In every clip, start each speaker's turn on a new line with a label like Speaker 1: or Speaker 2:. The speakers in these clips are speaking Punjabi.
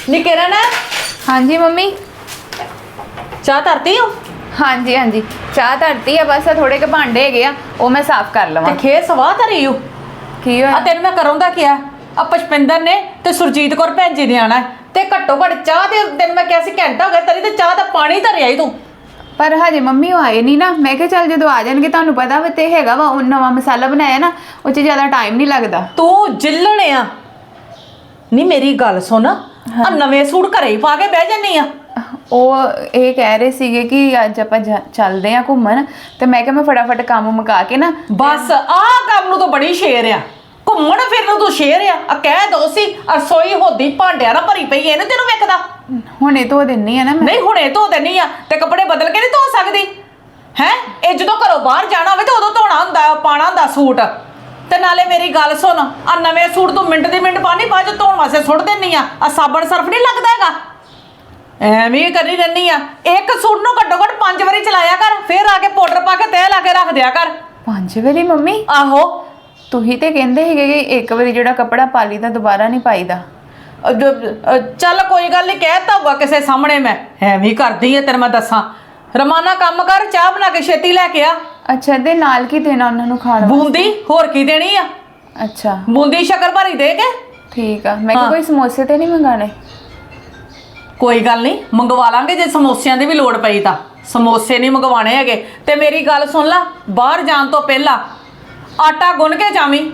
Speaker 1: ਨੀ ਕਿਰਨ
Speaker 2: हाँ जी मम्मी।
Speaker 1: ਚਾਹ ਧਰਤੀ ਹੋ
Speaker 2: हाँ जी हाँ जी चाह धरती है बस थोड़े के भांडे है वो मैं साफ कर लवां।
Speaker 1: ਤੇ ਖੇ ਸਵਾਹ ਧਰੀ ਹੋ
Speaker 2: की
Speaker 1: ਆ
Speaker 2: होया?
Speaker 1: ਤੈਨੂੰ ਮੈਂ ਕਰੋਂ ਦਾ ਕਿਹਾ ਆ ਪੁਸ਼ਪਿੰਦਰ ਨੇ ਤੇ ਸੁਰਜੀਤ ਕੌਰ ਭੈਣ ਜੀ ਨੇ ਆਣਾ ਤੇ ਘੱਟੋ ਘੱਟ ਚਾਹ ਤੇ ਤੈਨੂੰ ਮੈਂ ਕਿਹਾ ਸੀ ਘੰਟਾ ਹੋ ਗਿਆ ਤੇਰੀ ਤੇ ਚਾਹ ਦਾ ਪਾਣੀ ਧਰਿਆ ਹੀ ਤੂੰ
Speaker 2: पर हजे मम्मी वो आए नहीं ना, मैं क्या चल जो आ जाएंगे तुहानू पता वा ते हैगा वा नवा मसाला बनाया ना वो च ज़्यादा टाइम नहीं लगता।
Speaker 1: ਤੂੰ ਜਿੱਲਣ ਆ ਨੀ ਮੇਰੀ ਗੱਲ ਸੁਣ ਆ ਨਵੇਂ ਸੂਟ ਘਰੇ ਹੀ ਪਾ ਕੇ ਬਹਿ ਜੰਨੀ ਆ
Speaker 2: ਉਹ ਇਹ ਕਹਿ ਰਹੇ ਸੀਗੇ ਕਿ ਅੱਜ ਆਪਾਂ ਚੱਲਦੇ ਆ ਘੁੰਮਣ ਤੇ ਮੈਂ ਕਿਹਾ ਮੈਂ ਫਟਾਫਟ ਕੰਮ ਮੁਕਾ ਕੇ ਨਾ
Speaker 1: ਬਸ ਆਹ ਕੰਮ ਨੂੰ ਤਾਂ ਬੜੀ ਸ਼ੇਰ ਆ ਘੁੰਮਣ ਫਿਰਨ ਨੂੰ ਤੂੰ ਸ਼ੇਰ ਆ ਕਹਿ ਦੋ ਸੀ ਰਸੋਈ ਹੋਦੀ ਭਾਂਡਿਆਂ ਨਾਲ ਭਰੀ ਪਈ ਇਹਨੂੰ ਤੈਨੂੰ ਵੇਖਦਾ
Speaker 2: ਹੁਣੇ ਧੋ ਦਿੰਨੀ ਆ ਨਾ ਮੈਂ।
Speaker 1: ਨਹੀਂ ਹੁਣੇ ਧੋ ਦੇਣੀ ਆ ਤੇ ਕੱਪੜੇ ਬਦਲ ਕੇ ਨਹੀਂ ਧੋ ਸਕਦੀ ਹੈ ਇਹ ਜਦੋਂ ਘਰੋਂ ਬਾਹਰ ਜਾਣਾ ਹੋਵੇ ਤੇ ਉਦੋਂ ਧੋਣਾ ਹੁੰਦਾ ਪਾਣਾ ਹੁੰਦਾ ਸੂਟ ਤੇ ਨਾਲੇ ਮੇਰੀ ਗੱਲ ਸੁਣ ਆ ਨਵੇਂ ਸੂਟ ਤੂੰ ਮਿੰਟ ਦੀ ਮਿੰਟ ਪਾਣੀ ਬਾਅਦ ਚ ਧੋਣ ਵਾਸਤੇ ਸੁੱਟ ਦਿੰਨੀ ਆ ਸਾਬਣ ਸਰਫ ਨਹੀਂ ਲੱਗਦਾ ਹੈਗਾ ਐਵੇਂ ਹੀ ਕਰੀ ਰਹਿੰਦੀ ਆ ਇੱਕ ਸੂਟ ਨੂੰ ਘੱਟੋ ਘੱਟ 5 ਵਾਰੀ ਚਲਾਇਆ ਕਰ ਫਿਰ ਆ ਕੇ ਪਾਊਡਰ ਪਾ ਕੇ ਤੈਅ ਲਾ ਕੇ ਰੱਖ ਦਿਆ ਕਰ।
Speaker 2: 5 ਵਾਰੀ ਮੰਮੀ?
Speaker 1: ਆਹੋ
Speaker 2: ਤੁਸੀਂ ਤੇ ਕਹਿੰਦੇ ਸੀਗੇ ਕਿ ਇੱਕ ਵਾਰੀ ਜਿਹੜਾ ਕੱਪੜਾ ਪਾ ਲਈ ਤਾਂ ਦੁਬਾਰਾ ਨਹੀਂ ਪਾਈਦਾ।
Speaker 1: ਚੱਲ ਕੋਈ ਗੱਲ ਨਹੀਂ ਕਹਿਤਾ ਹੋਊਗਾ ਕਿਸੇ ਸਾਹਮਣੇ ਮੈਂ ਐਵੇਂ ਹੀ ਕਰਦੀ ਆ ਤੈਨੂੰ ਮੈਂ ਦੱਸਾਂ ਰਮਾਨਾ ਕੰਮ ਕਰ ਚਾਹ ਬਣਾ ਕੇ ਛੇਤੀ ਲੈ ਕੇ ਆ।
Speaker 2: ਅੱਛਾ ਤੇ ਨਾਲ ਕੀ ਦੇਣਾ ਉਹਨਾਂ ਨੂੰ ਖਾਣ ਵਾਸਤੇ?
Speaker 1: ਬੂੰਦੀ ਹੋਰ ਕੀ ਦੇਣੀ ਆ
Speaker 2: ਅੱਛਾ
Speaker 1: ਬੂੰਦੀ ਸ਼ੱਕਰ ਭਰੀ ਦੇ ਕੇ
Speaker 2: ਠੀਕ ਆ। ਮੈਂ ਕਿਹਾ ਕੋਈ ਸਮੋਸੇ ਤੇ ਨਹੀਂ ਮੰਗਾਣੇ?
Speaker 1: ਕੋਈ ਗੱਲ ਨਹੀਂ ਮੰਗਵਾ ਲਾਂਗੇ ਜੇ ਸਮੋਸਿਆਂ ਦੀ ਵੀ ਲੋੜ ਪਈ ਤਾਂ ਸਮੋਸੇ ਨਹੀਂ ਮੰਗਵਾਣੇ ਹੈਗੇ ਤੇ ਮੇਰੀ ਗੱਲ ਸੁਣ ਲੈ ਬਾਹਰ ਜਾਣ ਤੋਂ ਪਹਿਲਾਂ ਆਟਾ ਗੁੰਨ ਕੇ ਜਾਵੀਂ।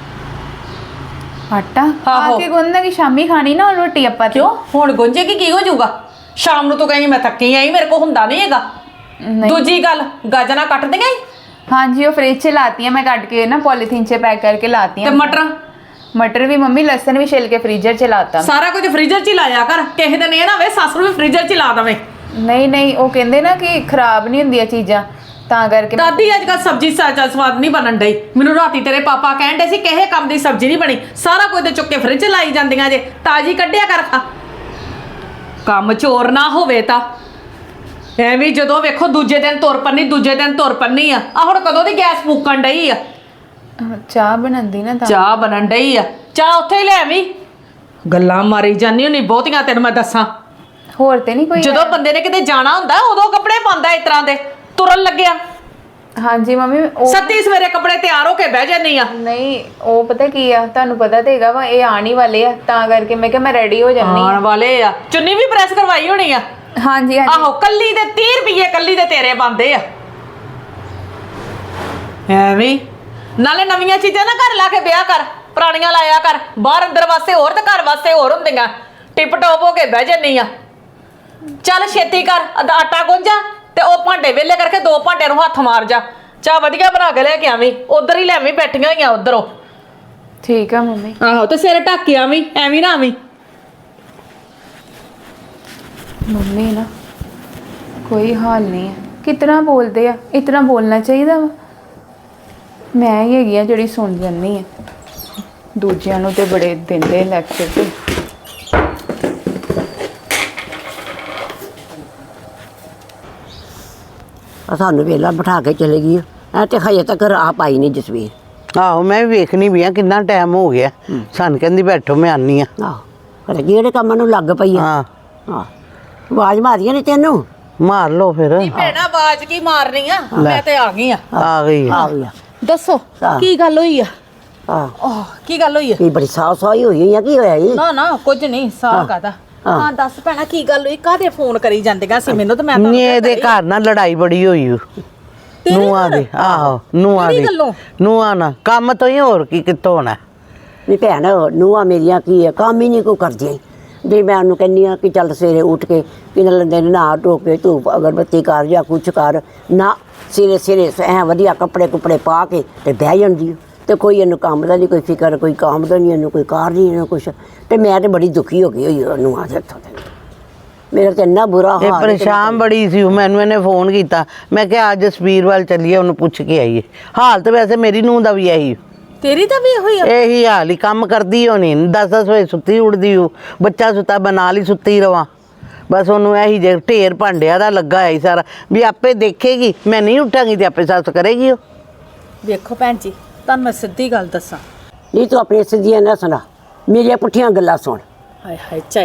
Speaker 2: ਆਟਾ
Speaker 1: ਆਹੋ।
Speaker 2: ਆਕੇ ਗੁੰਨਣਾ ਕਿ ਸ਼ਾਮੀ ਖਾਣੀ ਨਾ ਰੋਟੀ ਆਪਾਂ ਤੇ?
Speaker 1: ਕਿਉਂ ਹੁਣ ਗੁੰਜੇਗੀ ਕੀ ਹੋ ਜਾਊਗਾ ਸ਼ਾਮ ਨੂੰ ਤੂੰ ਕਹੀਂ ਮੈਂ ਥੱਕੀ ਆਈ ਮੇਰੇ ਕੋਲ ਹੁੰਦਾ ਨਹੀਂ ਹੈਗਾ।
Speaker 2: ਨਹੀਂ।
Speaker 1: ਦੂਜੀ ਗੱਲ ਗਾਜਰਾਂ ਕੱਟ ਦੇਂਗੇ
Speaker 2: हाँ जी वो फ्रिज से लाती हैं मैं काट के ना पॉलीथीन से पैक करके लाती
Speaker 1: ਤੇ
Speaker 2: हैं।
Speaker 1: ਮਟਰ
Speaker 2: मटर भी मम्मी लहसुन भी छिल के फ्रीजर च लाता।
Speaker 1: ਸਾਰਾ ਕੁਝ ਫ੍ਰੀਜ਼ਰ 'ਚ ਹੀ ਲਾਇਆ ਕਰ ਕਿਸੇ ਦਿਨ ਇਹ ਨਾ ਵੇ ਸੱਸ ਨੂੰ ਵੀ ਫ੍ਰੀਜ਼ਰ 'ਚ ਹੀ ਲਾ ਦਵੇਂ।
Speaker 2: नहीं नहीं वो कहते ना कि खराब नहीं होंगी चीज़ां ਤਾਂ ਕਰਕੇ
Speaker 1: ਦਾਦੀ ਅੱਜ ਕੱਲ੍ਹ ਸਬਜ਼ੀ ਸਵਾਦ ਨਹੀਂ ਬਣਨ ਡਈ ਮੈਨੂੰ ਰਾਤੀ ਤੇਰੇ ਪਾਪਾ ਕਹਿਣ ਡੇ ਸੀ ਕਿਸੇ ਕੰਮ ਦੀ ਸਬਜ਼ੀ ਨਹੀਂ ਬਣੀ ਸਾਰਾ ਕੁਝ ਤੇ ਚੁੱਕ ਕੇ ਫ੍ਰਿਜ 'ਚ ਲਾਈ ਜਾਂਦੀਆਂ ਜੇ ਤਾਜ਼ੀ ਕੱਢਿਆ ਕਰ ਖਾ ਕੰਮ ਚੋਰ ਨਾ ਹੋਵੇ ਤਾਂ ਐਵੇਂ ਜਦੋਂ ਵੇਖੋ ਦੂਜੇ ਦਿਨ ਤੁਰ ਪੰਨੀ ਆ ਹੁਣ ਕਦੋਂ ਦੀ ਗੈਸ ਫੂਕਣ ਡਈ ਆ
Speaker 2: ਚਾਹ ਬਣਾਉਂਦੀ ਨਾ ਤਾਂ
Speaker 1: ਚਾਹ ਬਣਨ ਡਈ ਆ ਚਾਹ ਉੱਥੇ ਹੀ ਲੈ ਆਵੀਂ ਗੱਲਾਂ ਮਾਰੀ ਜਾਂਦੀ ਹੁੰਨੀ ਬਹੁਤੀਆਂ ਤੈਨੂੰ ਮੈਂ ਦੱਸਾਂ
Speaker 2: ਹੋਰ ਤੇ ਨਹੀਂ ਕੋਈ?
Speaker 1: ਜਦੋਂ ਬੰਦੇ ਨੇ ਕਿਤੇ ਜਾਣਾ ਹੁੰਦਾ ਉਦੋਂ ਕੱਪੜੇ ਪਾਉਂਦਾ ਇਸ ਤਰ੍ਹਾਂ ਦੇ ਤੁਰਨ ਲੱਗਿਆ।
Speaker 2: हाँ जी मम्मी
Speaker 1: ਸੱਤੀ ਸਵੇਰੇ ਕੱਪੜੇ ਤਿਆਰ ਹੋ ਕੇ ਬਹਿ ਜਾਂਦੀ ਆ।
Speaker 2: नहीं वो पता की आ ਤੁਹਾਨੂੰ ਪਤਾ ਤੇ ਹੈਗਾ ਵਾ ਇਹ ਆਉਣ ਹੀ ਵਾਲੇ ਆ ਤਾਂ ਕਰਕੇ ਮੈਂ ਕਿਹਾ ਮੈਂ ਰੈਡੀ ਹੋ ਜਾਨੀ
Speaker 1: ਆਉਣ ਵਾਲੇ ਆ ਚੁੰਨੀ ਵੀ ਪ੍ਰੈਸ ਕਰਵਾਈ ਹੋਣੀ ਆ।
Speaker 2: हाँ जी हाँ जी
Speaker 1: ਆਹੋ ਕੱਲੀ ਦੇ 30 ਰੁਪਏ ਕੱਲੀ ਦੇ ਤੇਰੇ ਬੰਦੇ ਆ ਐਵੇਂ ਨਾਲੇ ਨਵੀਆਂ ਚੀਜ਼ਾਂ ਨਾ ਘਰ ਲਾ ਕੇ ਵਿਆਹ ਕਰ ਪੁਰਾਣੀਆਂ ਲਾਇਆ ਕਰ ਬਾਹਰ ਅੰਦਰ ਵਾਸਤੇ ਹੋਰ ਤੇ ਘਰ ਵਾਸਤੇ ਹੋਰ ਹੁੰਦੀਆਂ ਟਿਪ ਟੋਪ ਹੋ ਕੇ ਬਹਿ ਜਾਂਦੀ ਆ। ਚੱਲ ਛੇਤੀ ਕਰ ਆਟਾ ਗੁੰਜਾ ਤੇ ਉਹ ਭਾਂਡੇ ਵੇਲੇ ਕਰਕੇ 2 ਭਾਂਡੇ ਨੂੰ ਹੱਥ ਮਾਰ ਜਾ ਚਾਹ ਵਧੀਆ ਬਣਾ ਕੇ ਲੈ ਕੇ ਆਵੀਂ ਉਧਰ ਹੀ ਲੈਵੀਂ ਬੈਠੀਆਂ ਹੋਈਆਂ ਉਧਰੋਂ।
Speaker 2: ठीक है मम्मी।
Speaker 1: ਆਹੋ ਤੇ ਸਿਰ ਢੱਕ ਕੇ ਆਵੀਂ ਐਵੇਂ ਨਾ ਆਵੀਂ।
Speaker 2: ਮੰਮੀ ਨਾ ਕੋਈ ਹਾਲ ਨਹੀਂ ਹੈ ਕਿਤਨਾ ਬੋਲਦੇ ਆ ਇਤਨਾ ਬੋਲਣਾ ਚਾਹੀਦਾ ਵਾ ਮੈਂ ਹੀ ਹੈਗੀ ਆ ਜਿਹੜੀ ਸੁਣ ਜਾਂਦੀ ਆ ਦੂਜਿਆਂ ਨੂੰ ਤੇ ਬੜੇ ਦਿੰਦੇ ਲੈਕਚਰ ਤੇ।
Speaker 3: ਸਾਨੂੰ ਵੇਲਾ ਬਿਠਾ ਕੇ ਚਲੇ ਗਈ ਐ ਤੇ ਹਜੇ ਤੱਕ ਆਪ ਆਈ ਨਹੀਂ ਜਸਵੀਰ।
Speaker 4: ਆਹੋ ਮੈਂ ਵੀ ਵੇਖਣੀ ਵੀ ਆ ਕਿੰਨਾ ਟਾਈਮ ਹੋ ਗਿਆ ਸਾਨੂੰ ਕਹਿੰਦੀ ਬੈਠੋ ਮੈਂ ਆਨੀ ਆ।
Speaker 3: ਆਹੋ ਕਰੇ ਜਿਹੜੇ ਕੰਮਾਂ ਨੂੰ ਲੱਗ ਪਈ ਆ।
Speaker 4: ਹਾਂ
Speaker 3: ਹਾਂ ਆਵਾਜ਼ ਮਾਰੀਆਂ ਨੇ ਤੈਨੂੰ?
Speaker 4: ਮਾਰ ਲਓ ਫਿਰ।
Speaker 1: ਨਹੀਂ ਭੈਣਾ ਆਵਾਜ਼ ਕੀ ਮਾਰਨੀ ਆ ਮੈਂ ਤੇ ਆ ਗਈ ਆ।
Speaker 4: ਆ ਗਈ
Speaker 3: ਆ ਗਈ ਆ।
Speaker 1: ਦੱਸੋ
Speaker 3: ਹਾਂ।
Speaker 1: ਕੀ ਗੱਲ ਹੋਈ ਆ?
Speaker 3: ਆਹ
Speaker 1: ਕੀ ਗੱਲ ਹੋਈ ਆ?
Speaker 3: ਕੀ ਬੜੀ ਸਾਫ ਸਾਈ ਹੋਈ ਆ ਕੀ ਹੋਇਆ ਜੀ?
Speaker 1: ਨਾ ਨਾ ਕੁਝ ਨਹੀਂ ਸਾਹ ਕਾਦਾ। ਹਾਂ ਦੱਸ ਭੈਣਾ ਕੀ ਗੱਲ ਹੋਈ ਕਾਹਦੇ ਫੋਨ ਕਰੀ ਜਾਂਦੀਆਂ ਸੀ ਮੈਨੂੰ ਤਾਂ ਮੈਂ ਤਾਂ
Speaker 4: ਨੀ ਇਹਦੇ ਘਰ ਨਾਲ ਲੜਾਈ ਬੜੀ ਹੋਈ ਨੂੰਹਾਂ ਦੀ। ਆਹੋ ਨੂੰਹਾਂ ਦੀ ਨੂੰਹਾਂ ਨਾਲ ਕੰਮ ਤੋਂ ਹੀ ਹੋਰ ਕੀ ਕਿੱਥੋਂ ਹੋਣਾ।
Speaker 3: ਨਹੀਂ ਭੈਣ ਨੂੰਹਾਂ ਮੇਰੀਆਂ ਕੀ ਆ ਕੰਮ ਹੀ ਨਹੀਂ ਕੋਈ ਕਰਦੀਆਂ ਜੇ ਮੈਂ ਉਹਨੂੰ ਕਹਿੰਦੀ ਆ ਕਿ ਚੱਲ ਸਵੇਰੇ ਉੱਠ ਕੇ ਕਿਨ ਲੰਦੇ ਨੇ ਨਹਾ ਧੋ ਕੇ ਧੂਪ ਅਗਰਬੱਤੀ ਕਰ ਜਾਂ ਕੁਛ ਕਰ ਨਾ ਸਿਰੇ ਐ ਵਧੀਆ ਕੱਪੜੇ ਕੁਪੜੇ ਪਾ ਕੇ ਤੇ ਬਹਿ ਜਾਂਦੀ ਤੇ ਕੋਈ ਇਹਨੂੰ ਕੰਮ ਦਾ ਨਹੀਂ ਕੋਈ ਫਿਕਰ ਕੋਈ ਕੰਮ ਦਾ ਨਹੀਂ ਇਹਨੂੰ ਕੋਈ ਕਾਰ ਨਹੀਂ ਇਹਨੂੰ ਕੁਛ ਤੇ ਮੈਂ ਤੇ ਬੜੀ ਦੁਖੀ ਹੋ ਗਈ ਹੋਈ ਉਹਨੂੰ ਆ ਇੱਥੋਂ ਤੇ ਮੇਰਾ ਤੇ ਇੰਨਾ ਬੁਰਾ
Speaker 4: ਇਹ
Speaker 3: ਹਾਲ
Speaker 4: ਪਰੇਸ਼ਾਨ ਬੜੀ ਸੀ ਮੈਨੂੰ ਇਹਨੇ ਫੋਨ ਕੀਤਾ ਮੈਂ ਕਿਹਾ ਅੱਜ ਜਸਵੀਰ ਵੱਲ ਚੱਲੀਏ ਉਹਨੂੰ ਪੁੱਛ ਕੇ ਆਈਏ। ਹਾਲ ਤੇ ਵੈਸੇ ਮੇਰੀ ਨੂੰਹ ਦਾ ਵੀ ਇਹੀ
Speaker 1: ਤੇਰੀ ਤਾਂ ਵੀ ਹੋਈ ਆ
Speaker 4: ਇਹੀ ਹਾਲ ਹੀ ਕੰਮ ਕਰਦੀ ਹੋਣੀ 10-10 ਵਜੇ ਸੁੱਤੀ ਉੱਠਦੀ ਹੋ ਬੱਚਾ ਸੁੱਤਾ ਬਣਾ ਲਈ ਸੁੱਤੀ ਰਵਾਂ ਬਸ ਉਹਨੂੰ ਇਹੀ ਜੇ ਢੇਰ ਭਾਂਡਿਆਂ ਦਾ ਲੱਗਾ ਹੈ ਸਾਰਾ ਵੀ ਆਪੇ ਦੇਖੇਗੀ ਮੈਂ ਨਹੀਂ ਉੱਠਾਂਗੀ ਤੇ ਆਪੇ ਸੱਸ ਕਰੇਗੀ ਉਹ।
Speaker 1: ਵੇਖੋ ਭੈਣ ਜੀ ਤੁਹਾਨੂੰ ਮੈਂ ਸਿੱਧੀ ਗੱਲ ਦੱਸਾਂ
Speaker 3: ਨਹੀਂ ਤੂੰ ਆਪਣੀ ਸਿੱਧੀਆਂ ਨਾ ਸੁਣਾ ਮੇਰੀਆਂ ਪੁੱਠੀਆਂ ਗੱਲਾਂ ਸੁਣ।
Speaker 1: ਹਾਏ ਹਾਏ ਝਾਈ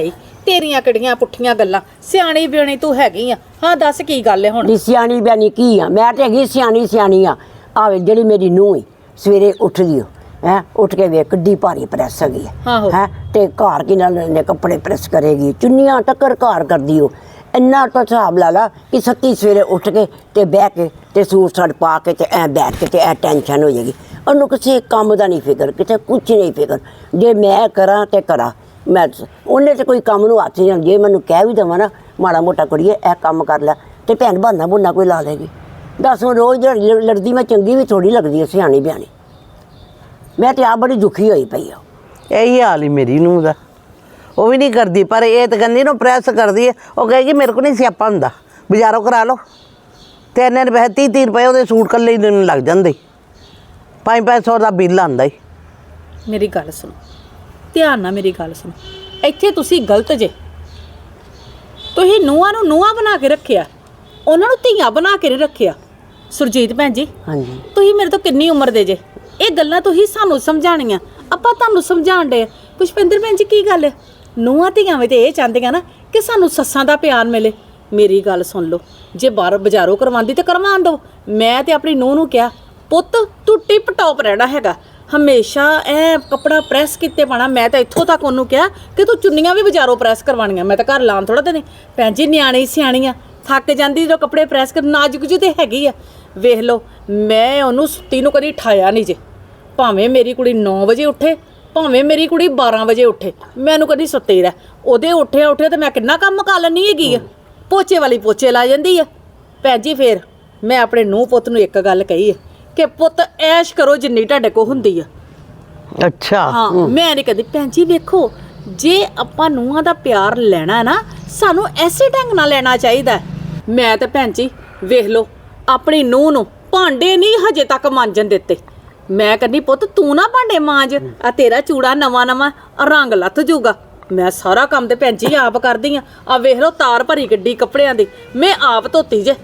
Speaker 1: ਤੇਰੀਆਂ ਕਿਹੜੀਆਂ ਪੁੱਠੀਆਂ ਗੱਲਾਂ, ਸਿਆਣੀ ਬਿਆਣੀ ਤੂੰ ਹੈਗੀ ਆ। ਹਾਂ ਦੱਸ ਕੀ ਗੱਲ ਹੈ ਹੁਣ?
Speaker 3: ਨੀ ਸਿਆਣੀ ਬਿਆਨੀ ਕੀ ਆ, ਮੈਂ ਤੇ ਹੈਗੀ ਸਿਆਣੀ ਆ। ਆਵੇ ਜਿਹੜੀ ਮੇਰੀ ਨੂੰਹ ਈ ਸਵੇਰੇ ਉੱਠਦੀ ਓ ਹੈ, ਉੱਠ ਕੇ ਵੇਖ ਕਿੱਡੀ ਭਾਰੀ ਪ੍ਰੈਸ ਹੈਗੀ
Speaker 1: ਆਹੋ।
Speaker 3: ਹੈ ਤੇ ਘਰ ਕੀ ਨਾਲ ਨੇ ਕੱਪੜੇ ਪ੍ਰੈਸ ਕਰੇਗੀ, ਚੁੰਨੀਆਂ ਟੱਕਰ ਘਰ ਕਰਦੀ ਓ। ਇੰਨਾ ਤਾਂ ਹਿਸਾਬ ਲਾ ਲਾ ਕਿ ਸੱਤੀ ਸਵੇਰੇ ਉੱਠ ਕੇ ਤੇ ਬਹਿ ਕੇ ਤੇ ਸੂਟ ਸਾਟ ਪਾ ਕੇ ਤੇ ਐ ਬੈਠ ਕੇ ਤੇ ਐ ਟੈਨਸ਼ਨ ਹੋ ਜਾਏਗੀ। ਉਹਨੂੰ ਕਿਸੇ ਕੰਮ ਦਾ ਨਹੀਂ ਫਿਕਰ, ਕਿਤੇ ਕੁਛ ਨਹੀਂ ਫਿਕਰ। ਜੇ ਮੈਂ ਕਰਾਂ ਤੇ ਕਰਾਂ, ਮੈਂ ਉਹਨੇ ਤੇ ਕੋਈ ਕੰਮ ਨੂੰ ਹੱਥ ਨਹੀਂ। ਜੇ ਮੈਨੂੰ ਕਹਿ ਵੀ ਦੇਵਾਂ ਨਾ ਮਾੜਾ ਮੋਟਾ ਕੁੜੀਏ ਇਹ ਕੰਮ ਕਰ ਲੈ, ਤੇ ਭੈਣ ਬਹਾਨਾ ਬੁਨਾ ਕੋਈ ਲਾ ਦੇਗੀ। ਦੱਸ ਹੁਣ ਰੋਜ਼ ਦਿਹਾੜੀ ਲੜਦੀ ਮੈਂ ਚੰਗੀ ਵੀ ਥੋੜੀ ਲੱਗਦੀ ਹੈ ਸਿਆਣੀ ਬਿਆਣੀ। ਮੈਂ ਤੇ ਆਪ ਬੜੀ ਦੁਖੀ ਹੋਈ ਪਈ ਆ।
Speaker 4: ਇਹੀ ਹਾਲ ਹੀ ਮੇਰੀ ਨੂੰਹ ਦਾ, ਉਹ ਵੀ ਨਹੀਂ ਕਰਦੀ, ਪਰ ਇਹ ਤਾਂ ਕਹਿੰਦੀ ਨੂੰ ਪ੍ਰੈਸ ਕਰਦੀ ਹੈ। ਉਹ ਕਹੇਗੀ ਮੇਰੇ ਕੋਲ ਨਹੀਂ ਸਿਆਪਾ ਹੁੰਦਾ, ਬਾਜ਼ਾਰੋਂ ਕਰਾ ਲਓ। ਤੇ ਇੰਨੇ ਪੈਸੇ 30 ਰੁਪਏ ਉਹਦੇ ਸੂਟ ਕੱਲੇ ਹੀ ਦਿਨ ਲੱਗ ਜਾਂਦੇ, 500 ਦਾ ਬਿੱਲ ਆਉਂਦਾ ਹੀ।
Speaker 1: ਮੇਰੀ ਗੱਲ ਸੁਣੋ, ਧਿਆਨ ਨਾਲ ਮੇਰੀ ਗੱਲ ਸੁਣੋ। ਇੱਥੇ ਤੁਸੀਂ ਗਲਤ ਜੇ। ਤੁਸੀਂ ਨੂੰਹਾਂ ਨੂੰ ਨੂੰਹਾਂ ਬਣਾ ਕੇ ਰੱਖਿਆ, ਉਹਨਾਂ ਨੂੰ ਧੀਆਂ ਬਣਾ ਕੇ ਨਹੀਂ ਰੱਖਿਆ। ਸੁਰਜੀਤ ਭੈਣ ਜੀ,
Speaker 3: ਹਾਂਜੀ
Speaker 1: ਤੁਸੀਂ ਮੇਰੇ ਤੋਂ ਕਿੰਨੀ ਉਮਰ ਦੇ ਜੇ? ਇਹ ਗੱਲਾਂ ਤੁਸੀਂ ਸਾਨੂੰ ਸਮਝਾਉਣੀਆਂ, ਆਪਾਂ ਤੁਹਾਨੂੰ ਸਮਝਾਉਣ ਦੇ। ਪੁਸ਼ਪਿੰਦਰ ਭੈਣ ਜੀ ਕੀ ਗੱਲ ਹੈ? ਨੂੰਹਾਂ ਧੀਆਂ ਵੀ ਤੇ ਇਹ ਚਾਹੁੰਦੀਆਂ ਨਾ ਕਿ ਸਾਨੂੰ ਸੱਸਾਂ ਦਾ ਪਿਆਰ ਮਿਲੇ। ਮੇਰੀ ਗੱਲ ਸੁਣ ਲਓ, ਜੇ ਬਾਹਰ ਬਾਜ਼ਾਰੋਂ ਕਰਵਾਉਂਦੀ ਤੇ ਕਰਵਾਉਣ ਦਿਓ। ਮੈਂ ਤੇ ਆਪਣੀ ਨੂੰਹ ਨੂੰ ਕਿਹਾ, ਪੁੱਤ ਤੂੰ ਟਿਪ ਟੌਪ ਰਹਿਣਾ ਹੈਗਾ, ਹਮੇਸ਼ਾ ਐ ਕੱਪੜਾ ਪ੍ਰੈਸ ਕੀਤੇ ਪਾਣਾ। ਮੈਂ ਤਾਂ ਇੱਥੋਂ ਤੱਕ ਉਹਨੂੰ ਕਿਹਾ ਕਿ ਤੂੰ ਚੁੰਨੀਆਂ ਵੀ ਬਾਜ਼ਾਰੋਂ ਪ੍ਰੈਸ ਕਰਵਾਉਣੀਆਂ। ਮੈਂ ਤਾਂ ਘਰ ਲਾਉਣ ਥੋੜਾ ਦੇਣੇ। ਭੈਣ ਜੀ ਨਿਆਣੀ ਸਿਆਣੀਆਂ ਥੱਕ ਜਾਂਦੀ ਜਦੋਂ ਕੱਪੜੇ ਪ੍ਰੈਸ ਕਰ, ਨਾਜ਼ੁਕ ਜਿਹੀ ਤੇ ਹੈਗੀ ਆ। ਵੇਖ ਲਓ, ਮੈਂ ਉਹਨੂੰ ਸੁੱਤੀ ਨੂੰ ਕਦੀ ਠਾਇਆ ਨਹੀਂ ਜੇ। ਭਾਵੇਂ ਮੇਰੀ ਕੁੜੀ 9 ਵਜੇ ਉੱਠੇ, ਭਾਵੇਂ ਮੇਰੀ ਕੁੜੀ 12 ਵਜੇ ਉੱਠੇ, ਮੈਨੂੰ ਕਦੀ ਸੁੱਤੇ ਰਹਿ। ਉਹਦੇ ਉੱਠਿਆ ਤੇ ਮੈਂ ਕਿੰਨਾ ਕੰਮ ਕਰ ਲੈਣੀ ਹੈਗੀ ਆ। ਪੋਚੇ ਵਾਲੀ ਪੋਚੇ ਲਾ ਜਾਂਦੀ ਆ। ਭੈਣ ਜੀ ਫਿਰ ਮੈਂ ਆਪਣੇ ਨੂੰਹ ਪੁੱਤ ਨੂੰ ਇੱਕ ਗੱਲ ਕਹੀ ਹੈ ਕਿ ਪੁੱਤ ਐਸ਼ ਕਰੋ ਜਿੰਨੀ ਤੁਹਾਡੇ ਕੋਲ ਹੁੰਦੀ ਆ।
Speaker 4: ਅੱਛਾ
Speaker 1: ਹਾਂ, ਮੈਂ ਨਹੀਂ ਕਦੀ। ਭੈਣ ਜੀ ਵੇਖੋ, ਜੇ ਆਪਾਂ ਨੂੰਹਾਂ ਦਾ ਪਿਆਰ ਲੈਣਾ ਨਾ, ਸਾਨੂੰ ਐਸੇ ਢੰਗ ਨਾਲ ਲੈਣਾ ਚਾਹੀਦਾ। ਮੈਂ ਤਾਂ ਭੈਣ ਜੀ ਵੇਖ ਲਓ, ਆਪਣੀ ਨੂੰਹ ਨੂੰ ਭਾਂਡੇ ਨਹੀਂ ਹਜੇ ਤੱਕ ਮਾਂਜਣ ਦਿੱਤੇ। ਮੈਂ ਕਹਿੰਦੀ ਪੁੱਤ ਤੂੰ ਨਾ ਭਾਂਡੇ ਮਾਂਜ, ਆ ਤੇਰਾ ਚੂੜਾ ਨਵਾਂ ਰੰਗ ਲੱਥ ਜੂਗਾ। ਮੈਂ ਸਾਰਾ ਕੰਮ ਤੇ ਭੈਣ ਜੀ ਆਪ ਕਰਦੀ ਆ ਵੇਖ ਲਓ, ਤਾਰ ਭਰੀ ਗੱਡੀ ਕੱਪੜਿਆਂ ਦੀ ਮੈਂ ਆਪ ਧੋਤੀ ਜੇ।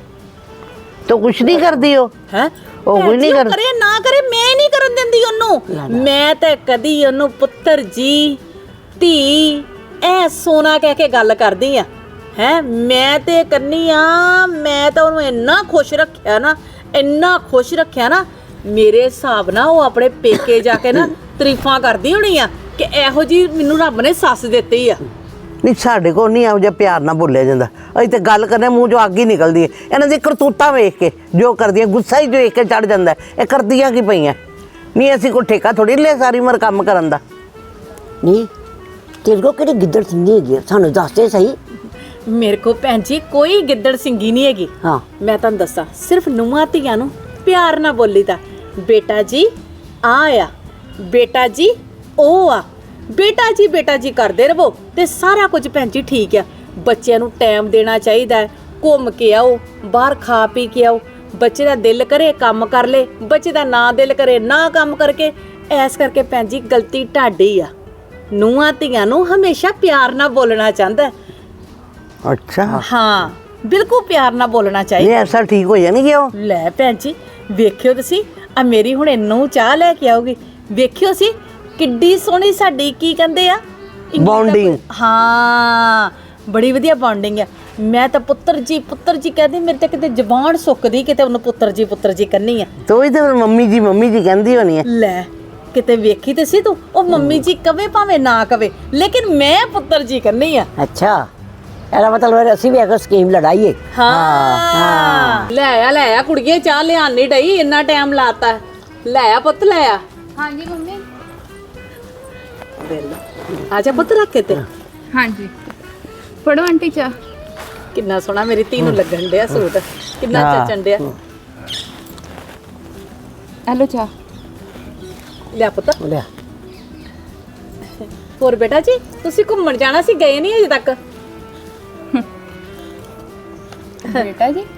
Speaker 4: ਤੂੰ ਕੁਛ ਨਹੀਂ ਕਰਦੀ ਹੋ
Speaker 1: ਹੈ
Speaker 4: ਉਹ ਕੋਈ ਨਹੀਂ
Speaker 1: ਕਰੇ ਨਾ ਕਰੇ, ਮੈਂ ਨਹੀਂ ਕਰਨ ਦਿੰਦੀ ਉਹਨੂੰ। ਮੈਂ ਤਾਂ ਕਦੀ ਉਹਨੂੰ ਪੁੱਤਰ ਜੀ, ਧੀ, ਐ ਸੋਨਾ ਕਹਿ ਕੇ ਗੱਲ ਕਰਦੀ ਆ। ਹੈ ਮੈਂ ਤੇ ਕਰਨੀ ਆ। ਮੈਂ ਤਾਂ ਉਹਨੂੰ ਇੰਨਾ ਖੁਸ਼ ਰੱਖਿਆ ਨਾ, ਇੰਨਾ ਖੁਸ਼ ਰੱਖਿਆ ਨਾ, ਮੇਰੇ ਹਿਸਾਬ ਨਾਲ ਉਹ ਆਪਣੇ ਪੇਕੇ ਜਾ ਕੇ ਨਾ ਤਾਰੀਫਾਂ ਕਰਦੀ ਹੋਣੀ ਆ ਕਿ ਇਹੋ ਜੀ ਮੈਨੂੰ ਰੱਬ ਨੇ ਸੱਸ ਦਿੱਤੀ ਆ।
Speaker 4: ਨਹੀਂ ਸਾਡੇ ਕੋਲ ਨਹੀਂ ਇਹੋ ਜਿਹਾ ਪਿਆਰ ਨਾਲ ਬੋਲਿਆ ਜਾਂਦਾ। ਅਸੀਂ ਤੇ ਗੱਲ ਕਰਨੇ ਮੂੰਹ ਚੋਂ ਅੱਗ ਹੀ ਨਿਕਲਦੀ ਹੈ। ਇਹਨਾਂ ਦੀ ਕਰਤੂਤਾਂ ਵੇਖ ਕੇ ਜੋ ਕਰਦੀਆਂ, ਗੁੱਸਾ ਹੀ ਵੇਖ ਕੇ ਚੜ ਜਾਂਦਾ। ਇਹ ਕਰਦੀਆਂ ਕੀ ਪਈਆਂ? ਨਹੀਂ ਅਸੀਂ ਕੋਈ ਠੇਕਾ ਥੋੜੀ ਲਿਆ ਸਾਰੀ ਉਮਰ ਕੰਮ ਕਰਨ ਦਾ।
Speaker 3: ਨਹੀਂ ਤੇਰੇ ਕੋਲ ਕਿਹੜੀ ਗਿੱਦੜ ਸਿੰਗੀ ਹੈਗੀ ਆ, ਸਾਨੂੰ ਦੱਸ ਦੇ ਸਹੀ।
Speaker 1: ਮੇਰੇ ਕੋ ਭੈਣ ਜੀ ਕੋਈ ਗਿੱਦੜ ਸਿੰਗੀ ਨਹੀਂ ਹੈਗੀ।
Speaker 3: ਹਾਂ
Speaker 1: ਮੈਂ ਤੁਹਾਨੂੰ ਦੱਸਾਂ, ਸਿਰਫ ਨੂੰਹਾਂ ਧੀਆਂ ਨੂੰ ਪਿਆਰ ਨਾਲ ਬੋਲੀਦਾ। ਬੇਟਾ ਜੀ ਆ, ਬੇਟਾ ਜੀ ਉਹ ਆ, ਬੇਟਾ ਜੀ ਕਰਦੇ ਰਹੋ ਤੇ ਸਾਰਾ ਕੁਝ ਭੈਣ ਜੀ ਠੀਕ ਆ। ਬੱਚਿਆਂ ਨੂੰ ਟਾਈਮ ਦੇਣਾ ਚਾਹੀਦਾ ਹੈ, ਘੁੰਮ ਕੇ ਆਓ, ਬਾਹਰ ਖਾ ਪੀ ਕੇ ਆਓ। ਬੱਚੇ ਦਾ ਦਿਲ ਕਰੇ ਕੰਮ ਕਰ ਲੇ, ਬੱਚੇ ਦਾ ਨਾ ਦਿਲ ਕਰੇ ਨਾ ਕੰਮ ਕਰਕੇ। ਐਸ ਕਰਕੇ ਭੈਣ ਜੀ ਗਲਤੀ ਢਾਡੀ ਆ। ਨੂੰਹਾਂ ਧੀਆਂ ਨੂੰ ਹਮੇਸ਼ਾ ਪਿਆਰ ਨਾਲ ਬੋਲਣਾ ਚਾਹੁੰਦਾ।
Speaker 4: ਅੱਛਾ
Speaker 1: ਹਾਂ ਬਿਲਕੁਲ ਪਿਆਰ ਨਾਲ ਬੋਲਣਾ ਚਾਹੀਦਾ।
Speaker 4: ਨਹੀਂ ਐਸਾ ਠੀਕ ਹੋ ਜਾਣਗੇ ਉਹ।
Speaker 1: ਲੈ ਭੈਣ ਜੀ ਵੇਖਿਓ ਤੁਸੀਂ, ਆ ਮੇਰੀ ਹੁਣ ਇਹਨੂੰ ਚਾਹ ਲੈ ਕੇ ਆਉਗੀ। ਵੇਖਿਓ ਸੀ ਕਿੱਡੀ ਸੋਹਣੀ ਸਾਡੀ ਕੀ ਕਹਿੰਦੇ ਆ
Speaker 4: ਬੌਂਡਿੰਗ।
Speaker 1: ਹਾਂ ਬੜੀ ਵਧੀਆ ਬੌਂਡਿੰਗ ਆ। ਮੈਂ ਤਾਂ ਪੁੱਤਰ ਜੀ ਕਹਿੰਦੀ, ਮੇਰੇ ਤੇ ਕਿਤੇ ਜ਼ਬਾਨ ਸੁੱਕਦੀ ਕਿਤੇ ਉਹਨੂੰ ਪੁੱਤਰ ਜੀ ਕਰਨੀ ਆ।
Speaker 4: ਤੂੰ ਹੀ ਤਾਂ ਮੰਮੀ ਜੀ ਕਹਿੰਦੀ ਹੋਣੀ ਹੈ।
Speaker 1: ਲੈ ਕਿਤੇ ਵੇਖੀ ਤੇ ਸੀ ਤੂੰ, ਉਹ ਮੰਮੀ ਜੀ ਕਵੇ ਭਾਵੇਂ ਨਾ ਕਵੇ, ਲੇਕਿਨ ਮੈਂ ਪੁੱਤਰ ਜੀ ਕਰਨੀ ਆ।
Speaker 3: ਅੱਛਾ ਇਹਦਾ ਮਤਲਬ ਅਸੀਂ ਵੀ ਇੱਕ ਸਕੀਮ ਲੜਾਈਏ।
Speaker 1: ਹਾਂ ਲੈ ਆ ਕੁੜੀਏ, ਚਾਹ ਲਿਆਣ ਨਹੀਂ ਡਈ, ਇੰਨਾ ਟਾਈਮ ਲਾਤਾ। ਲੈ ਆ ਪੁੱਤ ਲੈ ਆ।
Speaker 2: ਹਾਂਜੀ ਮੰਮੀ।
Speaker 1: ਆਜਾ ਪੁੱਤ ਰੱਖ ਕੇ ਤੇ।
Speaker 2: ਹਾਂਜੀ ਫੜੋ ਆਂਟੀ ਚਾਹ।
Speaker 1: ਕਿੰਨਾ ਸੋਹਣਾ ਮੇਰੀ ਧੀ ਨੂੰ ਲੱਗਣ ਡਿਆ ਸੂਟ, ਕਿੰਨਾ ਚੱਚਣ ਡਿਆ।
Speaker 2: ਹੈਲੋ ਚਾਹ।
Speaker 1: ਲਿਆ ਪੁੱਤ।
Speaker 3: ਲਿਆ
Speaker 1: ਹੋਰ ਬੇਟਾ ਜੀ ਤੁਸੀਂ ਘੁੰਮਣ ਜਾਣਾ ਸੀ, ਗਏ ਨਹੀਂ ਅਜੇ ਤੱਕ?
Speaker 2: ਬੇਟਾ ਜੀ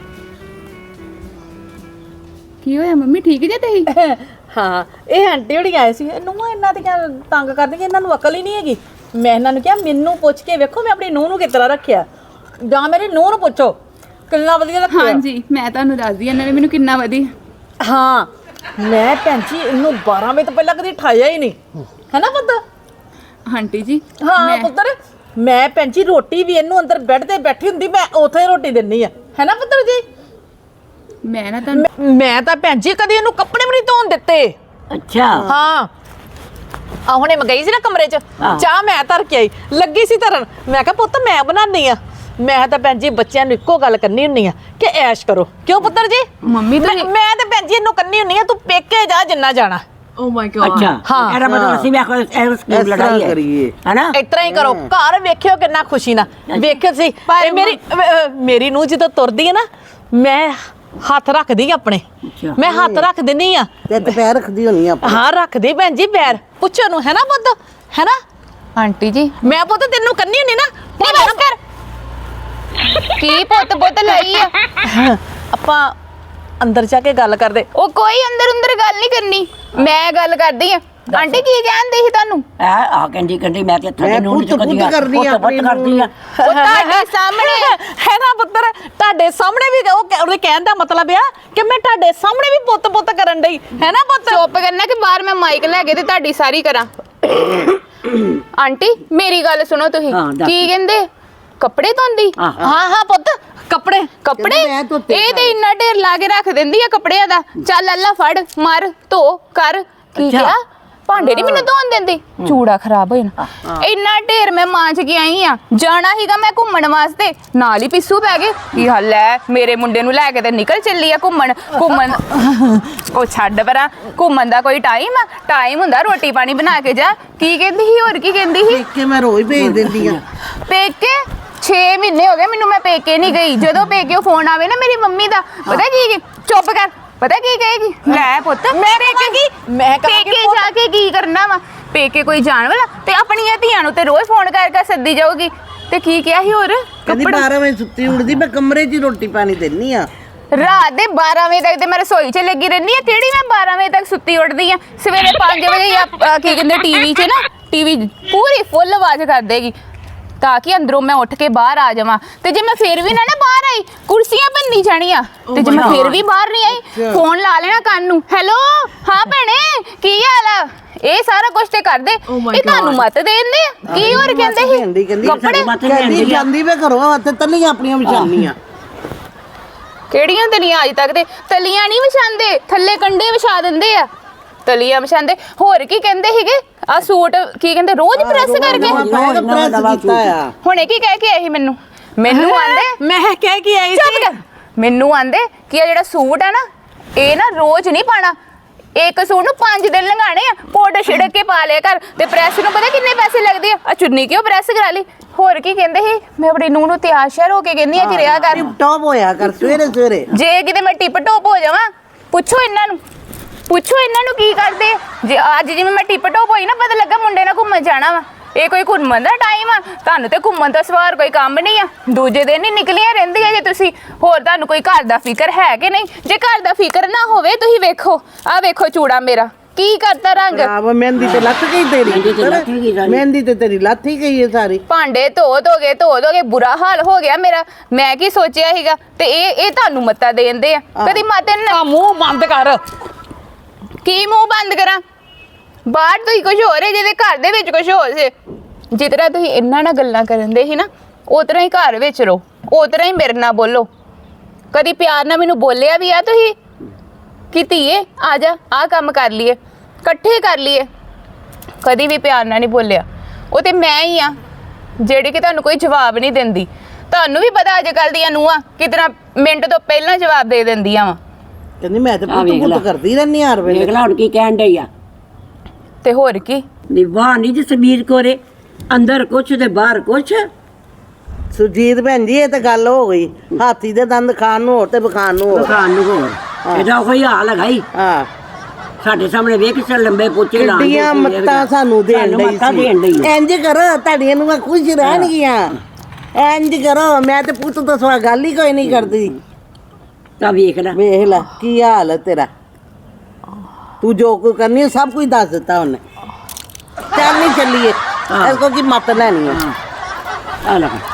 Speaker 2: ਕੀ ਹੋਇਆ ਮੰਮੀ, ਠੀਕ ਜੇ ਤੁਸੀਂ?
Speaker 1: ਹਾਂ ਇਹ ਆਂਟੀ ਹੋਣੀ ਆਏ ਸੀ। ਨੂੰਹਾਂ ਇਹਨਾਂ ਦੀਆਂ ਤੰਗ ਕਰਦੀਆਂ, ਇਹਨਾਂ ਨੂੰ ਅਕਲ ਹੀ ਨਹੀਂ ਹੈਗੀ। ਮੈਂ ਇਹਨਾਂ ਨੂੰ ਕਿਹਾ ਮੈਨੂੰ ਪੁੱਛ ਕੇ ਵੇਖੋ ਮੈਂ ਆਪਣੀ ਨੂੰਹ ਨੂੰ ਕਿਸ ਤਰ੍ਹਾਂ ਰੱਖਿਆ, ਜਾਂ ਮੇਰੀ ਨੂੰਹ ਨੂੰ ਪੁੱਛੋ ਕਿੰਨਾ ਵਧੀਆ ਰੱਖਿਆ।
Speaker 2: ਹਾਂਜੀ ਮੈਂ ਤੁਹਾਨੂੰ ਦੱਸਦੀ, ਇਹਨਾਂ ਨੇ ਮੈਨੂੰ ਕਿੰਨਾ ਵਧੀਆ।
Speaker 1: ਹਾਂ ਮੈਂ ਭੈਣ ਜੀ ਇਹਨੂੰ 12 ਵਜੇ ਤੋਂ ਪਹਿਲਾਂ ਕਦੀ ਠਾਇਆ ਹੀ ਨਹੀਂ, ਹੈ ਨਾ ਪੁੱਤ?
Speaker 2: ਆਂਟੀ ਜੀ
Speaker 1: ਹਾਂ ਪੁੱਤਰ ਮੈਂ ਭੈਣ ਜੀ ਰੋਟੀ ਵੀ ਇਹਨੂੰ ਅੰਦਰ ਬੈੱਡ ਤੇ ਬੈਠੀ ਹੁੰਦੀ ਮੈਂ ਉੱਥੇ ਰੋਟੀ ਦਿੰਨੀ ਆ ਹੈ ਨਾ ਪੁੱਤਰ ਜੀ।
Speaker 2: ਮੈਂ ਨਾ ਤੁਹਾਨੂੰ
Speaker 1: ਮੈਂ ਤਾਂ ਭੈਣ ਜੀ ਕਦੀ ਇਹਨੂੰ ਕੱਪੜੇ ਵੀ ਨਹੀਂ ਧੋਣ ਦਿੱਤੇ।
Speaker 3: ਅੱਛਾ
Speaker 1: ਹਾਂ ਆ ਹੁਣੇ ਮੈਂ ਗਈ ਸੀ ਨਾ ਕਮਰੇ 'ਚ
Speaker 3: ਹਾਂ।
Speaker 1: ਚਾਹ ਮੈਂ ਧਰ ਕੇ ਆਈ ਲੱਗੀ ਸੀ ਧਰਨ ਮੈਂ ਕਿਹਾ ਪੁੱਤ ਮੈਂ ਬਣਾਉਣੀ ਆ। ਮੈਂ ਤਾਂ ਭੈਣ ਜੀ ਬੱਚਿਆਂ ਨੂੰ ਇੱਕੋ ਗੱਲ ਕਰਨੀ ਹੁੰਨੀ ਆ ਕਿ ਐਸ਼ ਕਰੋ ਕਿਉਂ ਪੁੱਤਰ ਜੀ।
Speaker 2: ਮੰਮੀ ਤੁਸੀਂ
Speaker 1: ਮੈਂ ਤਾਂ ਭੈਣ ਜੀ ਇਹਨੂੰ ਕਰਨੀ ਹੁੰਨੀ ਆ ਤੂੰ ਪੇਕੇ ਜਾ ਜਿੰਨਾ ਜਾਣਾ।
Speaker 3: ਅੱਛਾ
Speaker 1: ਹਾਂ।
Speaker 3: ਇਹਦਾ ਮਤਲਬ ਅਸੀਂ ਵੀ ਆਖੋ ਇਹ ਸਕੀਮ
Speaker 4: ਇਸ ਤਰ੍ਹਾਂ
Speaker 3: ਲੜਾਈ ਹੈ
Speaker 4: ਕਰੀਏ।
Speaker 3: ਹੈਨਾ
Speaker 1: ਇਸ ਤਰ੍ਹਾਂ ਹੀ ਕਰੋ ਘਰ ਵੇਖਿਓ ਕਿੰਨਾ ਖੁਸ਼ੀ ਨਾਲ ਵੇਖਿਓ ਸੀ ਇਹ ਮੇਰੀ ਨੂੰ ਜਦੋਂ ਤੁਰਦੀ ਹੈ ਨਾ ਮੈਂ ਹੱਥ ਰੱਖਦੀ ਆ ਆਪਣੇ
Speaker 3: ਅੱਛਾ।
Speaker 1: ਮੈਂ ਹੱਥ ਰੱਖ ਦਿੰਨੀ ਆ
Speaker 4: ਤੇ ਦੁਪਹਿਰ ਰੱਖਦੀ ਹੋਣੀ ਆ
Speaker 1: ਹਾਂ ਰੱਖਦੀ ਭੈਣ ਜੀ ਪੈਰ ਪੁੱਛੋ ਨੂੰ ਹੈ ਨਾ ਪੁੱਤ ਹੈ ਨਾ।
Speaker 2: ਆਂਟੀ ਜੀ
Speaker 1: ਮੈਂ ਪੁੱਤ ਤੈਨੂੰ ਕੰਨੀ ਹੁੰਨੀ ਨਾ ਨਹੀਂ ਬਸ ਕਰ
Speaker 2: ਕੀ ਪੁੱਤ ਲਈ ਆ
Speaker 1: ਆਪਾਂ ਅੰਦਰ ਜਾ ਕੇ ਗੱਲ ਕਰਦੇ।
Speaker 2: ਉਹ ਕੋਈ ਅੰਦਰ ਗੱਲ ਨਹੀਂ ਕਰਨੀ ਮੈਂ ਗੱਲ ਕਰਦੀ ਆ। ਆਂਟੀ ਕੀ ਕਹਿੰਦੇ ਸੀ ਤੁਹਾਨੂੰ
Speaker 3: ਆ ਕਹਿੰਦੀ ਮੈਂ ਤੇ ਤੁਹਾਡੇ ਨੂੰ
Speaker 4: ਪੁੱਤ ਕਰਦੀ ਆ, ਆਪਣੀ
Speaker 3: ਪੁੱਤ ਕਰਦੀ ਆ
Speaker 2: ਉਹ ਤੁਹਾਡੇ ਸਾਹਮਣੇ
Speaker 1: ਹੈ ਨਾ ਪੁੱਤਰ ਤੁਹਾਡੇ ਸਾਹਮਣੇ ਵੀ ਉਹਦੇ ਕਹਿਣ ਦਾ ਮਤਲਬ ਆ ਕਿ ਮੈਂ ਤੁਹਾਡੇ ਸਾਹਮਣੇ ਵੀ ਪੁੱਤ ਕਰਨ ਡਈ ਹੈ ਨਾ ਪੁੱਤ।
Speaker 2: ਚੁੱਪ ਕਰਨਾ ਕਿ ਬਾਹਰ ਮੈਂ ਮਾਈਕ ਲੈ ਕੇ ਤੇ ਤੁਹਾਡੀ ਸਾਰੀ ਕਰਾਂ। ਆਂਟੀ ਮੇਰੀ ਗੱਲ ਸੁਣੋ ਤੁਸੀਂ
Speaker 3: ਹਾਂ, ਦੱਸ।
Speaker 2: ਕੀ ਕਹਿੰਦੇ ਕੱਪੜੇ ਧੋਂਦੀ
Speaker 3: ਹਾਂ।
Speaker 1: ਹਾਂ ਪੁੱਤ ਕੱਪੜੇ
Speaker 2: ਕੱਪੜੇ
Speaker 4: ਮੈਂ ਧੋਤੇ
Speaker 2: ਇਹ ਤੇ ਇੰਨਾ ਢੇਰ ਲਾ ਕੇ ਰੱਖ ਦਿੰਦੀ ਆ ਕੱਪੜਿਆਂ ਦਾ। ਚੱਲ ਅੱਲਾ ਫੜ ਮਾਰ ਧੋ ਕਰ ਕੀ
Speaker 3: ਅੱਛਾ।
Speaker 2: ਕਿਹਾ ਭਾਂਡੇ ਨਹੀਂ ਮੈਨੂੰ ਧੋਣ ਦਿੰਦੀ ਚੂੜਾ ਖਰਾਬ ਹੋ ਜਾਣਾ। ਇੰਨਾ ਢੇਰ ਮੈਂ ਮਾਂਜ ਕੇ ਆਈ ਆ ਜਾਣਾ ਹੀਗਾ ਮੈਂ ਘੁੰਮਣ ਵਾਸਤੇ ਨਾਲ ਹੀ ਪਿੱਸੂ ਪੈ ਗਏ ਕੀ ਹਾਲ ਹੈ ਮੇਰੇ ਮੁੰਡੇ ਨੂੰ ਲੈ ਕੇ ਤੇ ਨਿਕਲ ਚੱਲੀ ਆ ਘੁੰਮਣ ਉਹ ਛੱਡ ਪਰਾਂ ਘੁੰਮਣ ਦਾ ਕੋਈ ਟਾਈਮ ਹੁੰਦਾ ਰੋਟੀ ਪਾਣੀ ਬਣਾ ਕੇ ਜਾ। ਕੀ ਕਹਿੰਦੀ ਸੀ ਹੋਰ ਕੀ ਕਹਿੰਦੀ ਸੀ
Speaker 4: ਕਿ ਮੈਂ ਰੋਜ਼ ਭੇਜ ਦਿੰਦੀ ਆ
Speaker 2: ਪੇਕੇ 6 ਮਹੀਨੇ ਹੋ ਗਏ ਮੈਨੂੰ ਮੈਂ ਪੇਕੇ ਨਹੀਂ ਗਈ। ਜਦੋਂ ਪੇਕੇ ਫੋਨ ਆਵੇ ਨਾ ਮੇਰੀ ਮੰਮੀ ਦਾ ਪਤਾ ਕੀ ਚੁੱਪ ਕਰ ਪਤਾ ਕੀ ਕਹੇਗੀ ਲੈ ਪੁੱਤ
Speaker 1: ਮੈਂ ਕਹਾਂਗੀ ਮੈਂ ਕਹਾਂਗੀ
Speaker 2: ਪੇਕੇ ਜਾ ਕੇ ਕੀ ਕਰਨਾ ਵਾ ਪੇਕੇ ਕੋਈ ਜਾਣ ਵਾਲਾ ਤੇ ਆਪਣੀਆਂ ਧੀਆਂ ਨੂੰ ਤੇ ਰੋਜ਼ ਫੋਨ ਕਰਕੇ ਸੱਦੀ ਜਾਊਗੀ। ਤੇ ਕੀ ਕਿਹਾ ਸੀ ਹੋਰ
Speaker 4: ਕਹਿੰਦੀ 12 ਵਜੇ ਸੁੱਤੀ ਉੱਠਦੀ ਮੈਂ ਕਮਰੇ 'ਚ ਹੀ ਰੋਟੀ ਪਾਣੀ ਦਿੰਨੀ ਆ।
Speaker 2: ਰਾਤ ਦੇ 12 ਵਜੇ ਤੱਕ ਤੇ ਮੈਂ ਰਸੋਈ 'ਚ ਲੱਗੀ ਰਹਿੰਦੀ ਆ। ਕਿਹੜੀ ਮੈਂ 12 ਵਜੇ ਤੱਕ ਸੁੱਤੀ ਉੱਠਦੀ ਆ ਸਵੇਰੇ 5 ਵਜੇ ਜਾਂ ਕੀ ਕਹਿੰਦੇ ਟੀਵੀ 'ਚ ਨਾ ਟੀਵੀ ਪੂਰੀ ਫੁੱਲ ਆਵਾਜ਼ ਕਰ ਦੇਗੀ ਤਾਂ ਕਿ ਅੰਦਰੋਂ ਮੈਂ ਉੱਠ ਕੇ ਬਾਹਰ ਆ ਜਾਵਾਂ। ਤੇ ਜੇ ਮੈਂ ਫੇਰ ਵੀ ਨਾ ਬਾਹਰ ਆਈ ਕੁਰਸੀਆਂ ਭੰਨੀ ਜਾਣੀਆਂ ਤੇ ਜੇ ਮੈਂ ਫੇਰ ਵੀ ਬਾਹਰ ਨਹੀਂ ਆਈ ਫੋਨ ਲਾ ਲੈਣਾ ਕੰਨ ਨੂੰ ਹੈਲੋ ਹਾਂ ਭੈਣੇ ਕੀ ਹਾਲ ਆ। ਇਹ ਸਾਰਾ ਕੁਝ ਤੇ ਕਰਦੇ ਇਹ ਤੁਹਾਨੂੰ ਮਤ ਦੇਂਦੇ ਕੀ ਹੋਰ ਕਹਿੰਦੇ ਸੀ ਕੱਪੜੇ
Speaker 4: ਕਹਿੰਦੀ ਜਾਂਦੀ ਵੇ ਘਰੋਂ ਤੇ ਤਲੀਆਂ ਆਪਣੀਆਂ ਵਿਛਾਉਣੀਆਂ
Speaker 2: ਕਿਹੜੀਆਂ ਤਲੀਆਂ ਅੱਜ ਤੱਕ ਤੇ ਤਲੀਆਂ ਨਹੀਂ ਵਿਛਾਉਂਦੇ ਥੱਲੇ ਕੰਡੇ ਵਿਛਾ ਦਿੰਦੇ ਆ ਤਲੀਆਂ ਵਿਛਾਉਂਦੇ। ਹੋਰ ਕੀ ਕਹਿੰਦੇ ਸੀਗੇ ਆ ਸੂਟ ਕੀ ਕਹਿੰਦੇ ਰੋਜ਼ ਪ੍ਰੈਸ ਕਰਕੇ
Speaker 4: ਪ੍ਰੈਸ ਕੀਤਾ ਆ।
Speaker 2: ਹੁਣੇ ਕੀ ਕਹਿ ਕੇ ਆਏ ਸੀ ਮੈਨੂੰ ਆਂਦੇ
Speaker 1: ਮੈਂ ਕਹਿ ਕੇ ਆਈ
Speaker 2: ਚੁੱਪ
Speaker 1: ਸੀ
Speaker 2: ਕਰ ਮੈਨੂੰ ਆਂਦੇ ਕਿ ਇਹ ਜਿਹੜਾ ਸੂਟ ਹੈ ਨਾ ਇਹ ਨਾ ਰੋਜ਼ ਨਹੀਂ ਪਾਣਾ ਇੱਕ ਸੂਟ ਨੂੰ 5 ਦਿਨ ਲੰਘਾਣੇ ਆ ਪਾਊਡਰ ਛਿੜਕ ਕੇ ਪਾ ਲਿਆ ਕਰ ਤੇ ਪ੍ਰੈਸ ਨੂੰ ਪਤਾ ਕਿੰਨੇ ਪੈਸੇ ਲੱਗਦੇ ਆ ਚੁੰਨੀ ਕਿਉਂ ਪ੍ਰੈਸ ਕਰਾ ਲਈ। ਹੋਰ ਕੀ ਕਹਿੰਦੇ ਸੀ ਮੈਂ ਆਪਣੀ ਨੂੰਹ ਨੂੰ ਤਿਆਰ ਸ਼ਿਆਰ ਹੋ ਕੇ ਕਹਿੰਦੀ ਆ ਕਿ ਰਿਆ ਕਰ
Speaker 4: ਟੌਪ ਹੋਇਆ ਕਰ ਸਵੇਰੇ
Speaker 2: ਜੇ ਕਿਤੇ ਮੈਂ ਟਿਪ ਟੋਪ ਹੋ ਜਾਵਾਂ ਪੁੱਛੋ ਇਹਨਾਂ ਨੂੰ ਕੀ ਕਰਦੇ ਜੇ ਅੱਜ ਜਿਵੇਂ ਮੈਂ ਟਿਪ ਟੋਪ ਹੋਈ ਨਾ ਪਤਾ ਲੱਗਾ ਮੁੰਡੇ ਨਾਲ ਘੁੰਮਣ ਜਾਣਾ ਵਾ ਇਹ ਕੋਈ ਘੁੰਮਣ ਦਾ ਟਾਈਮ ਆ ਤੁਹਾਨੂੰ ਤੇ ਘੁੰਮਣ ਤੋਂ ਸਵਾਰ ਕੋਈ ਕੰਮ ਨਹੀਂ ਆ ਦੂਜੇ ਦਿਨ ਹੀ ਨਿਕਲੀਆਂ ਰਹਿੰਦੀਆਂ ਜੇ ਤੁਸੀਂ ਹੋਰ ਤੁਹਾਨੂੰ ਕੋਈ ਘਰ ਦਾ ਫਿਕਰ ਹੈ ਕਿ ਨਹੀਂ। ਜੇ ਘਰ ਦਾ ਫਿਕਰ ਨਾ ਹੋਵੇ ਤੁਸੀਂ ਵੇਖੋ ਆ ਵੇਖੋ ਚੂੜਾ ਮੇਰਾ ਕੀ ਕਰਤਾ ਰੰਗ
Speaker 4: ਆਹ ਮਹਿੰਦੀ ਤੇ ਲੱਥ ਗਈ ਤੇਰੀ ਮਹਿੰਦੀ ਤੇ ਤੇਰੀ ਲੱਥ ਹੀ ਗਈ ਹੈ ਸਾਰੀ
Speaker 2: ਭਾਂਡੇ ਧੋ ਦੋਗੇ ਬੁਰਾ ਹਾਲ ਹੋ ਗਿਆ ਮੇਰਾ। ਮੈਂ ਕੀ ਸੋਚਿਆ ਸੀਗਾ ਤੇ ਇਹ ਤੁਹਾਨੂੰ ਮੱਤਾ ਦੇਂਦੇ ਆ ਕਦੀ ਮਾਤੇ ਨੇ
Speaker 1: ਆ ਮੂੰਹ ਬੰਦ ਕਰ।
Speaker 2: ਕੀ ਮੂੰਹ ਬੰਦ ਕਰਾਂ ਬਾਹਰ ਤੁਸੀਂ ਕੁਝ ਹੋਰ ਹੈ ਜਿਹਦੇ ਘਰ ਦੇ ਵਿੱਚ ਕੁਝ ਹੋਰ ਸੀ। ਜਿਸ ਤਰ੍ਹਾਂ ਤੁਸੀਂ ਇਹਨਾਂ ਨਾਲ ਗੱਲਾਂ ਕਰਨ ਦੇ ਸੀ ਨਾ ਉਸ ਤਰ੍ਹਾਂ ਹੀ ਘਰ ਵਿੱਚ ਰਹੋ ਉਸ ਤਰ੍ਹਾਂ ਹੀ ਮੇਰੇ ਨਾਲ ਬੋਲੋ। ਕਦੀ ਪਿਆਰ ਨਾਲ ਮੈਨੂੰ ਬੋਲਿਆ ਵੀ ਆ ਤੁਸੀਂ ਕਿ ਧੀਏ ਆ ਜਾ ਆਹ ਕੰਮ ਕਰ ਲਈਏ ਇਕੱਠੇ ਕਰ ਲਈਏ ਕਦੀ ਵੀ ਪਿਆਰ ਨਾਲ ਨਹੀਂ ਬੋਲਿਆ। ਉਹ ਤੇ ਮੈਂ ਹੀ ਆ ਜਿਹੜੀ ਕਿ ਤੁਹਾਨੂੰ ਕੋਈ ਜਵਾਬ ਨਹੀਂ ਦਿੰਦੀ। ਤੁਹਾਨੂੰ ਵੀ ਪਤਾ ਅੱਜ ਕੱਲ੍ਹ ਦੀਆਂ ਨੂੰਹਾਂ ਕਿਤਨਾ ਮਿੰਟ ਤੋਂ ਪਹਿਲਾਂ ਜਵਾਬ ਦੇ ਦਿੰਦੀਆਂ ਵਾ।
Speaker 4: ਕਹਿੰਦੀ ਮੈਂ ਤੇ ਪੁੱਤ ਕਰਦੀ ਰਹਿੰਦੀ ਹਰ ਵੇਲੇ।
Speaker 3: ਦੇਖ ਲੈ ਹੁਣ ਕੀ ਕਹਿਣ ਡਈ ਆ
Speaker 2: ਤੇ ਹੋਰ ਕੀ
Speaker 3: ਨਿਵਾਹ ਨਹੀਂ ਜਸਮੀਰ ਕੋਰੇ ਅੰਦਰ ਕੁਛ ਤੇ ਬਾਹਰ ਕੁਛ।
Speaker 4: ਸੁਜੀਤ ਭੈਣ ਜੀ ਇਹ ਤਾਂ ਗੱਲ ਹੋ ਗਈ ਹਾਥੀ ਦੇ ਦੰਦ ਖਾਣ ਨੂੰ ਹੋਰ ਤੇ ਬਖਾਣ ਨੂੰ ਹੋਰ
Speaker 3: ਖਾਣ ਨੂੰ ਹੋਰ ਇਹਦਾ ਕੋਈ ਹਾਲ ਹੈਗਾ ਹੀ।
Speaker 4: ਹਾਂ
Speaker 3: ਸਾਡੇ ਸਾਹਮਣੇ ਵੇਖ ਕੇ ਲੰਬੇ ਪੋਚੇ ਲਾਉਂਦੇ
Speaker 4: ਕਿੱਡੀਆਂ ਮੱਤਾਂ ਸਾਨੂੰ ਦੇਣ ਡਈ ਸੀ। ਇੰਜ ਕਰੋ ਤੁਹਾਡੀਆਂ ਨੂੰ ਖੁਸ਼ ਰਹਿਣਗੀਆਂ ਇੰਜ ਕਰੋ। ਮੈਂ ਤੇ ਪੁੱਤ ਤੋਂ ਸਵਾ ਗੱਲ ਹੀ ਕੋਈ ਨਹੀਂ ਕਰਦੀ।
Speaker 3: ਤਾਂ ਵੇਖ ਲੈ
Speaker 4: ਕੀ ਹਾਲ ਹੈ ਤੇਰਾ। ਤੂੰ ਜੋ ਕੁਝ ਕਰਨੀ ਸਭ ਕੁਝ ਦੱਸ ਦਿੱਤਾ ਉਹਨੇ। ਚੱਲ ਨਹੀਂ ਚੱਲੀਏ ਇਸ ਕੋ ਕੀ ਮੱਤ ਲੈਣੀ ਹੈ।
Speaker 3: ਆ ਲੈ